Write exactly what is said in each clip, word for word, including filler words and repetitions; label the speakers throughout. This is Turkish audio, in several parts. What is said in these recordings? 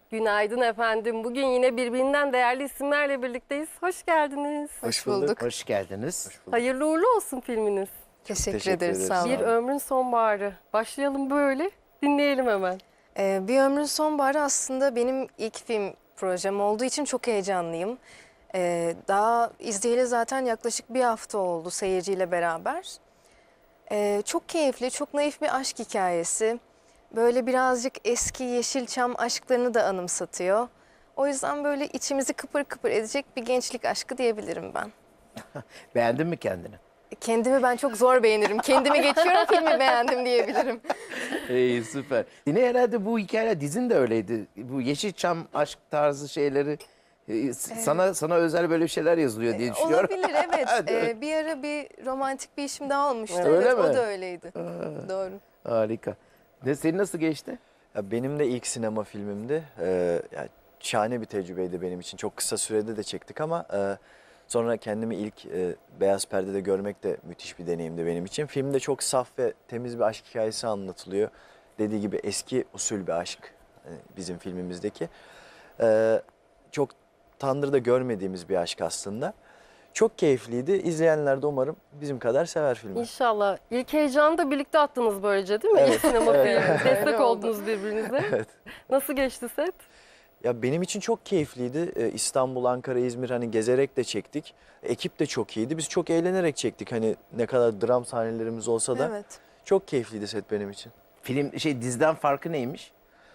Speaker 1: Günaydın efendim. Bugün yine birbirinden değerli isimlerle birlikteyiz. Hoş geldiniz.
Speaker 2: Hoş bulduk.
Speaker 3: Hoş geldiniz.
Speaker 2: Hoş bulduk.
Speaker 1: Hayırlı uğurlu olsun filminiz.
Speaker 2: Teşekkür,
Speaker 4: teşekkür
Speaker 2: ederiz.
Speaker 4: ederiz.
Speaker 2: Sağ olun.
Speaker 1: Bir ömrün sonbaharı. Başlayalım böyle. Dinleyelim hemen.
Speaker 2: Ee, Bir Ömrün Sonbaharı aslında benim ilk film projem olduğu için çok heyecanlıyım. Ee, daha izleyeli zaten yaklaşık bir hafta oldu seyirciyle beraber. Ee, çok keyifli, çok naif bir aşk hikayesi. Böyle birazcık eski Yeşilçam aşklarını da anımsatıyor. O yüzden böyle içimizi kıpır kıpır edecek bir gençlik aşkı diyebilirim ben.
Speaker 3: Beğendin mi kendini?
Speaker 2: Kendimi ben çok zor beğenirim. Kendimi geçiyorum, filmi beğendim diyebilirim.
Speaker 3: İyi, süper. Yine herhalde bu hikayeler, dizin de öyleydi. Bu Yeşilçam aşk tarzı şeyleri e, sana sana özel böyle şeyler yazılıyor diye düşünüyorum.
Speaker 2: Olabilir, evet.
Speaker 3: Değil mi?
Speaker 2: Ee, bir ara bir romantik bir işim daha olmuştu.
Speaker 3: Öyle
Speaker 2: Evet,
Speaker 3: mi?
Speaker 2: o da öyleydi. Doğru.
Speaker 3: Harika. Ne, senin nasıl geçti?
Speaker 4: Ya benim de ilk sinema filmimdi. Ee, yani şahane bir tecrübeydi benim için. Çok kısa sürede de çektik ama e, sonra kendimi ilk e, beyaz perdede görmek de müthiş bir deneyimdi benim için. Filmde çok saf ve temiz bir aşk hikayesi anlatılıyor. Dediği gibi eski usul bir aşk e, bizim filmimizdeki. Ee, çok Tandır'da görmediğimiz bir aşk aslında. Çok keyifliydi. İzleyenler de umarım bizim kadar sever filmi.
Speaker 1: İnşallah. İlk heyecanı da birlikte attınız böylece değil mi?
Speaker 4: Evet.
Speaker 1: İlk sinema
Speaker 4: Evet.
Speaker 1: filmi. Destek
Speaker 2: Öyle oldu.
Speaker 1: oldunuz birbirinize.
Speaker 4: Evet.
Speaker 1: Nasıl geçti set?
Speaker 4: Ya benim için çok keyifliydi. Ee, İstanbul, Ankara, İzmir hani gezerek de çektik. Ekip de çok iyiydi. Biz çok eğlenerek çektik. Hani ne kadar dram sahnelerimiz olsa da
Speaker 2: Evet.
Speaker 4: çok keyifliydi set benim için.
Speaker 3: Film şey diziden farkı neymiş?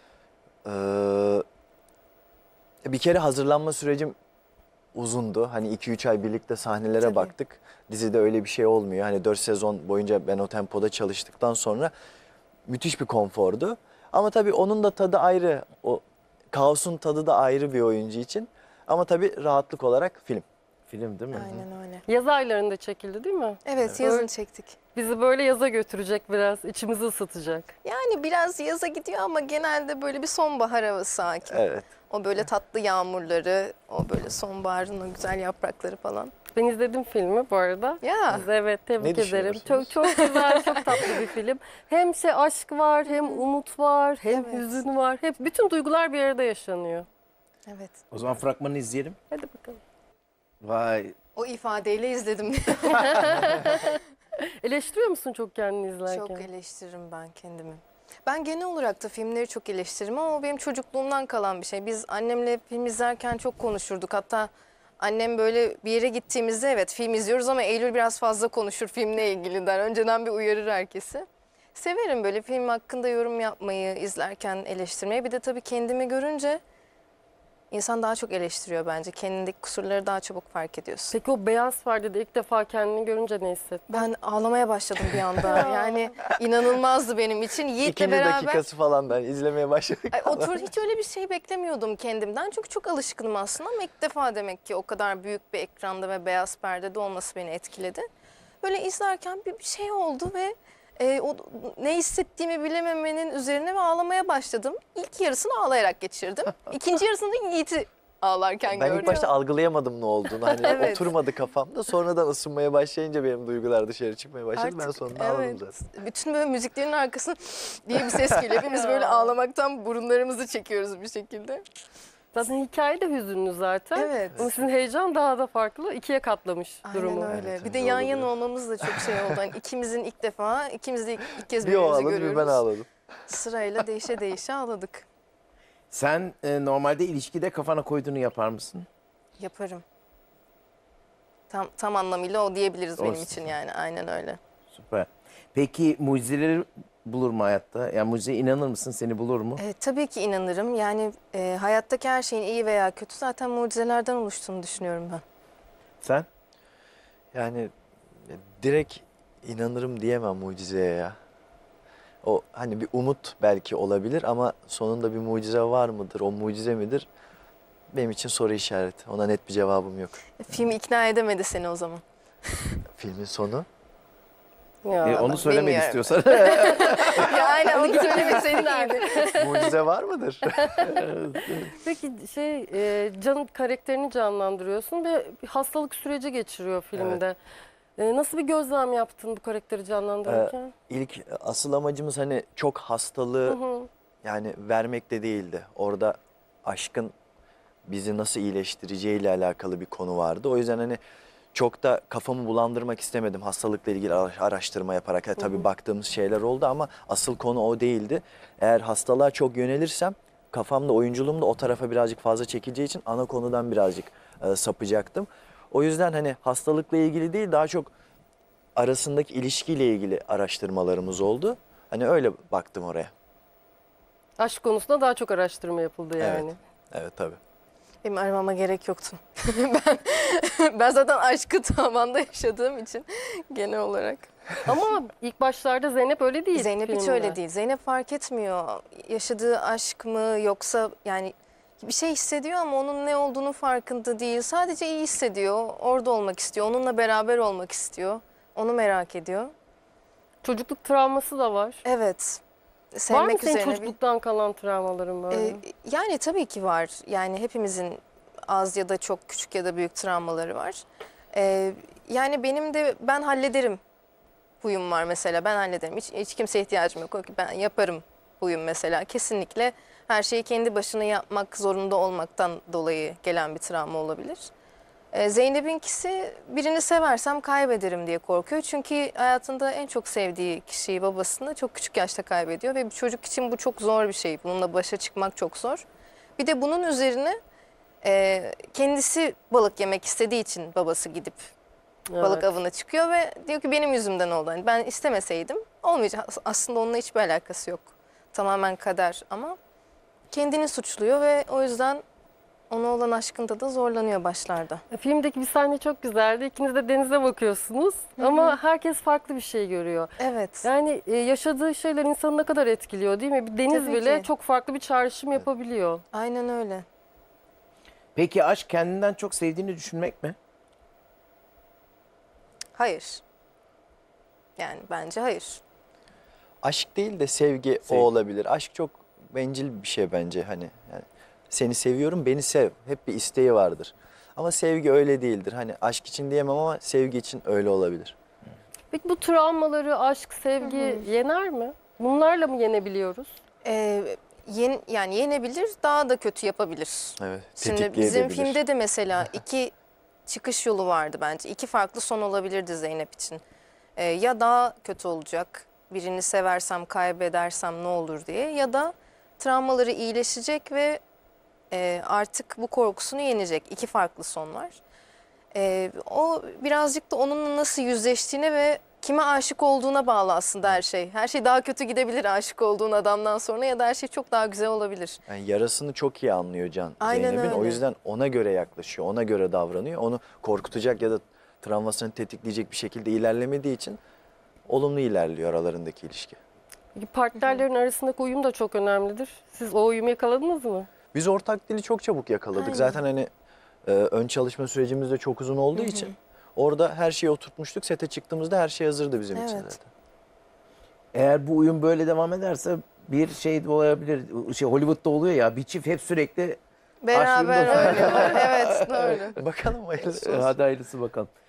Speaker 4: Ee, bir kere hazırlanma sürecim uzundu. Hani iki üç ay birlikte sahnelere
Speaker 2: Tabii.
Speaker 4: baktık. Dizide öyle bir şey olmuyor. Hani dört sezon boyunca ben o tempoda çalıştıktan sonra müthiş bir konfordu. Ama tabii onun da tadı ayrı. O kaosun tadı da ayrı bir oyuncu için. Ama tabii rahatlık olarak film.
Speaker 3: Film değil mi?
Speaker 2: Aynen öyle.
Speaker 1: Yaz aylarında çekildi değil mi?
Speaker 2: Evet, yazın
Speaker 1: Öyle.
Speaker 2: çektik.
Speaker 1: Bizi böyle yaza götürecek biraz. İçimizi ısıtacak.
Speaker 2: Yani biraz yaza gidiyor ama genelde böyle bir sonbahar havası hakim.
Speaker 4: Evet.
Speaker 2: O böyle tatlı yağmurları, o böyle sonbaharın o güzel yaprakları falan.
Speaker 1: Ben izledim filmi bu arada.
Speaker 2: Ya.
Speaker 1: Size evet tebrik
Speaker 4: Ne
Speaker 1: ederim.
Speaker 4: düşünüyorsunuz?
Speaker 1: Çok çok güzel, çok tatlı bir film. Hem şey aşk var, hem umut var, hem
Speaker 2: Evet.
Speaker 1: hüzün var. Hep bütün duygular bir arada yaşanıyor.
Speaker 2: Evet.
Speaker 3: O zaman fragmanı izleyelim.
Speaker 1: Hadi bakalım.
Speaker 3: Vay.
Speaker 2: O ifadeyle izledim.
Speaker 1: Eleştiriyor musun çok kendini izlerken?
Speaker 2: Çok eleştiririm ben kendimi. Ben genel olarak da filmleri çok eleştiririm ama o benim çocukluğumdan kalan bir şey. Biz annemle film izlerken çok konuşurduk. Hatta annem böyle bir yere gittiğimizde evet film izliyoruz ama Eylül biraz fazla konuşur filmle ilgili der. Önceden bir uyarır herkesi. Severim böyle film hakkında yorum yapmayı, izlerken eleştirmeyi. Bir de tabii kendimi görünce insan daha çok eleştiriyor bence. Kendindeki kusurları daha çabuk fark ediyorsun.
Speaker 1: Peki o beyaz perdede ilk defa kendini görünce ne hissettin?
Speaker 2: Ben ağlamaya başladım bir anda. Yani inanılmazdı benim için. Yiğit'le
Speaker 4: İkinci
Speaker 2: beraber
Speaker 4: dakikası falan ben izlemeye başladık.
Speaker 2: Ay, otur hiç öyle bir şey beklemiyordum kendimden. Çünkü çok alışkınım aslında ama ilk defa demek ki o kadar büyük bir ekranda ve beyaz perdede olması beni etkiledi. Böyle izlerken bir bir şey oldu ve e, o ne hissettiğimi bilememenin üzerine ve ağlamaya başladım. İlk yarısını ağlayarak geçirdim. İkinci yarısında Yiğit'i ağlarken
Speaker 4: Ben
Speaker 2: gördüm.
Speaker 4: ilk başta algılayamadım ne olduğunu. Hani
Speaker 2: Evet.
Speaker 4: oturmadı kafamda. Sonradan ısınmaya başlayınca benim duygular dışarı çıkmaya başladı. ben
Speaker 2: Artık,
Speaker 4: sonunda ağladım
Speaker 2: evet.
Speaker 4: zaten.
Speaker 2: Bütün böyle müziklerin arkasında diye bir ses geliyor. Hepimiz böyle ağlamaktan burunlarımızı çekiyoruz bir şekilde.
Speaker 1: Zaten hikaye de hüzünlü zaten.
Speaker 2: Evet.
Speaker 1: Ama sizin heyecan daha da farklı. İkiye katlamış
Speaker 2: Aynen
Speaker 1: durumu.
Speaker 2: öyle.
Speaker 4: Evet,
Speaker 2: bir de
Speaker 4: doğru
Speaker 2: yan
Speaker 4: diyor.
Speaker 2: yana olmamız da çok şey oldu. Hani ikimizin ilk defa, ikimiz de ilk, ilk kez
Speaker 4: Bir o
Speaker 2: birbirimizi
Speaker 4: ağladı bir
Speaker 2: görüyoruz.
Speaker 4: ben ağladım.
Speaker 2: Sırayla değişe değişe ağladık.
Speaker 3: Sen e, normalde ilişkide kafana koyduğunu yapar mısın?
Speaker 2: Yaparım. Tam tam anlamıyla o diyebiliriz benim
Speaker 3: Olsun.
Speaker 2: için yani. Aynen öyle.
Speaker 3: Süper. Peki mucizeleri bulur mu hayatta? Yani mucizeye inanır mısın? Seni bulur mu?
Speaker 2: E, tabii ki inanırım. Yani e, hayattaki her şeyin iyi veya kötü zaten mucizelerden oluştuğunu düşünüyorum ben.
Speaker 3: Sen?
Speaker 4: Yani e, direkt inanırım diyemem mucizeye ya. O hani bir umut belki olabilir ama sonunda bir mucize var mıdır? O mucize midir? Benim için soru işareti. Ona net bir cevabım yok.
Speaker 2: E, film ikna edemedi seni o zaman.
Speaker 4: Filmin sonu.
Speaker 1: Ya,
Speaker 3: E, onu söylemek
Speaker 2: bilmiyorum.
Speaker 3: istiyorsan.
Speaker 2: Ya aynen onu söylemeseydik iyiydi.
Speaker 4: Mucize var mıdır?
Speaker 1: Peki şey e, Can karakterini canlandırıyorsun ve bir hastalık süreci geçiriyor filmde. E, nasıl bir gözlem yaptın bu karakteri canlandırırken?
Speaker 4: İlk asıl amacımız hani çok hastalığı
Speaker 1: Hı hı.
Speaker 4: yani vermek de değildi. Orada aşkın bizi nasıl iyileştireceğiyle alakalı bir konu vardı. O yüzden hani çok da kafamı bulandırmak istemedim hastalıkla ilgili ara- araştırma yaparak. Ha, tabii baktığımız şeyler oldu ama asıl konu o değildi. Eğer hastalığa çok yönelirsem kafamda, oyunculuğum da o tarafa birazcık fazla çekileceği için ana konudan birazcık e, sapacaktım. O yüzden hani hastalıkla ilgili değil, daha çok arasındaki ilişkiyle ilgili araştırmalarımız oldu. Hani öyle baktım oraya.
Speaker 1: Aşk konusunda daha çok araştırma yapıldı yani.
Speaker 4: Evet. Evet tabii.
Speaker 2: Benim aramama gerek yoktu. ben, ben zaten aşkı tavanda yaşadığım için genel olarak.
Speaker 1: Ama ilk başlarda Zeynep öyle değil.
Speaker 2: Zeynep hiç
Speaker 1: filmde.
Speaker 2: öyle değil. Zeynep fark etmiyor. Yaşadığı aşk mı yoksa yani bir şey hissediyor ama onun ne olduğunu farkında değil. Sadece iyi hissediyor. Orada olmak istiyor. Onunla beraber olmak istiyor. Onu merak ediyor.
Speaker 1: Çocukluk travması da var.
Speaker 2: Evet.
Speaker 1: Var mı
Speaker 2: Sevmek
Speaker 1: senin
Speaker 2: üzerine bir-
Speaker 1: çocukluktan kalan travmaların böyle?
Speaker 2: Ee, yani tabii ki var. Yani hepimizin az ya da çok küçük ya da büyük travmaları var. Ee, yani benim de ben hallederim huyum var mesela. Ben hallederim. Hiç, hiç kimseye ihtiyacım yok. Ben yaparım huyum mesela. Kesinlikle her şeyi kendi başına yapmak zorunda olmaktan dolayı gelen bir travma olabilir. Ee, Zeynep'inkisi birini seversem kaybederim diye korkuyor. Çünkü hayatında en çok sevdiği kişiyi, babasını çok küçük yaşta kaybediyor. Ve bir çocuk için bu çok zor bir şey. Bununla başa çıkmak çok zor. Bir de bunun üzerine e, kendisi balık yemek istediği için babası gidip balık
Speaker 1: Evet.
Speaker 2: avına çıkıyor ve diyor ki benim yüzümden oldu. Yani ben istemeseydim olmayacak. Aslında onunla hiçbir alakası yok. Tamamen kader ama kendini suçluyor ve o yüzden ona olan aşkında da zorlanıyor başlarda.
Speaker 1: E, Filmdeki bir sahne çok güzeldi. İkiniz de denize bakıyorsunuz ama herkes farklı bir şey görüyor.
Speaker 2: Evet.
Speaker 1: Yani e, yaşadığı şeyler insanı ne kadar etkiliyor değil mi? Bir deniz
Speaker 2: Tabii
Speaker 1: bile
Speaker 2: ki.
Speaker 1: çok farklı bir çağrışım yapabiliyor.
Speaker 2: Aynen öyle.
Speaker 3: Peki aşk kendinden çok sevdiğini düşünmek mi?
Speaker 2: Hayır. Yani bence hayır.
Speaker 4: Aşk değil de sevgi,
Speaker 3: Sevgi.
Speaker 4: o olabilir. Aşk çok bencil bir şey bence hani. Yani seni seviyorum, beni sev. Hep bir isteği vardır. Ama sevgi öyle değildir. Hani aşk için diyemem ama sevgi için öyle olabilir.
Speaker 1: Peki bu travmaları aşk, sevgi yener mi? Bunlarla mı yenebiliyoruz?
Speaker 2: Ee, yen, yani yenebilir, daha da kötü yapabilir.
Speaker 4: Evet.
Speaker 2: Şimdi bizim
Speaker 4: tetikleyebilir.
Speaker 2: filmde de mesela iki çıkış yolu vardı bence. İki farklı son olabilirdi Zeynep için. Ee, ya daha kötü olacak, birini seversem kaybedersem ne olur diye, ya da travmaları iyileşecek ve e, artık bu korkusunu yenecek. İki farklı son var. Ee, o birazcık da onunla nasıl yüzleştiğine ve kime aşık olduğuna bağlı aslında her şey. Her şey daha kötü gidebilir aşık olduğun adamdan sonra ya da her şey çok daha güzel olabilir.
Speaker 4: Yani yarasını çok iyi anlıyor Can
Speaker 2: Aynen
Speaker 4: Zeynep'in. O
Speaker 2: öyle.
Speaker 4: yüzden ona göre yaklaşıyor, ona göre davranıyor. Onu korkutacak ya da travmasını tetikleyecek bir şekilde ilerlemediği için olumlu ilerliyor aralarındaki ilişki.
Speaker 1: Peki partnerlerin arasındaki uyum da çok önemlidir. Siz o uyumu yakaladınız mı?
Speaker 4: Biz ortak dili çok çabuk yakaladık.
Speaker 2: Aynen.
Speaker 4: Zaten hani e, ön çalışma sürecimiz de çok uzun olduğu için orada her şeyi oturtmuştuk. Sete çıktığımızda her şey hazırdı bizim için
Speaker 2: Evet.
Speaker 4: zaten.
Speaker 3: Eğer bu uyum böyle devam ederse bir şey de olabilir. Şey Hollywood'da oluyor ya, bir çift hep sürekli
Speaker 2: Beraber
Speaker 3: Aşkında-
Speaker 2: oynuyorlar. Evet, doğru.
Speaker 4: Bakalım hayırlısı
Speaker 3: Ee,
Speaker 4: olsun.
Speaker 3: hadi hayırlısı bakalım.